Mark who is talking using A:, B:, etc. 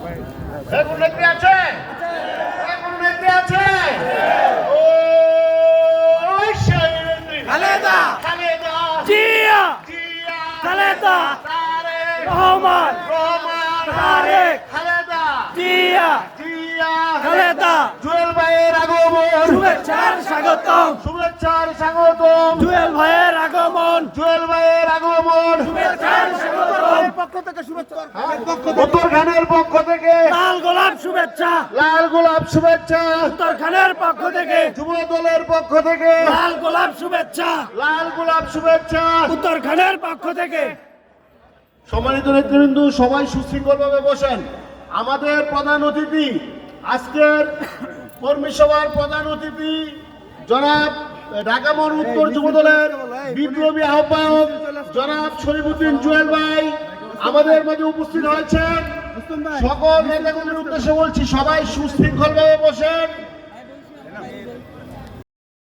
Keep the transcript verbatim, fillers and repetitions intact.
A: কোন নেত্রী আছে? কোন নেত্রী আছে? ও সেই নেত্রী
B: খালেদা
A: খালেদা
B: জিয়া
A: জিয়া
B: খালেদা
A: তারেক
B: রহমান
A: রহমান
B: তারেক
A: খালেদা
B: জিয়া
A: জিয়া
B: খালেদা
A: জুয়েল ভাইয়ের আগমন
B: শুভেচ্ছার স্বাগতম
A: শুভেচ্ছার স্বাগতম
B: জুয়েল ভাইয়ের আগমন
A: জুয়েল ভাইয়ের আগমন
B: শুভেচ্ছার স্বাগতম
C: পক্ষ থেকে শুভেচ্ছা
A: উত্তর খানের পক্ষ থেকে
B: লাল গোলাপ শুভেচ্ছা
A: লাল গোলাপ শুভেচ্ছা
B: উত্তর খানের পক্ষ থেকে
A: যুব দলের পক্ষ থেকে
B: লাল গোলাপ শুভেচ্ছা
A: লাল গোলাপ শুভেচ্ছা
B: উত্তর খানের পক্ষ থেকে।
A: সম্মানিত নেতৃবৃন্দ, সবাই সুশৃঙ্খলভাবে বসেন। আমাদের প্রধান অতিথি, আজকের কর্মী সভার প্রধান অতিথি জনাব ঢাকা মহানগর উত্তর যুব দলের বিপ্লবী আহ্বায়ক জনাব শরীফুদ্দিন জুয়েল ভাই আমাদের মাঝে উপস্থিত হয়েছেন। সকল নেতাকর্মীর উদ্দেশ্যে বলছি, সবাই সুশৃঙ্খলভাবে বসেন।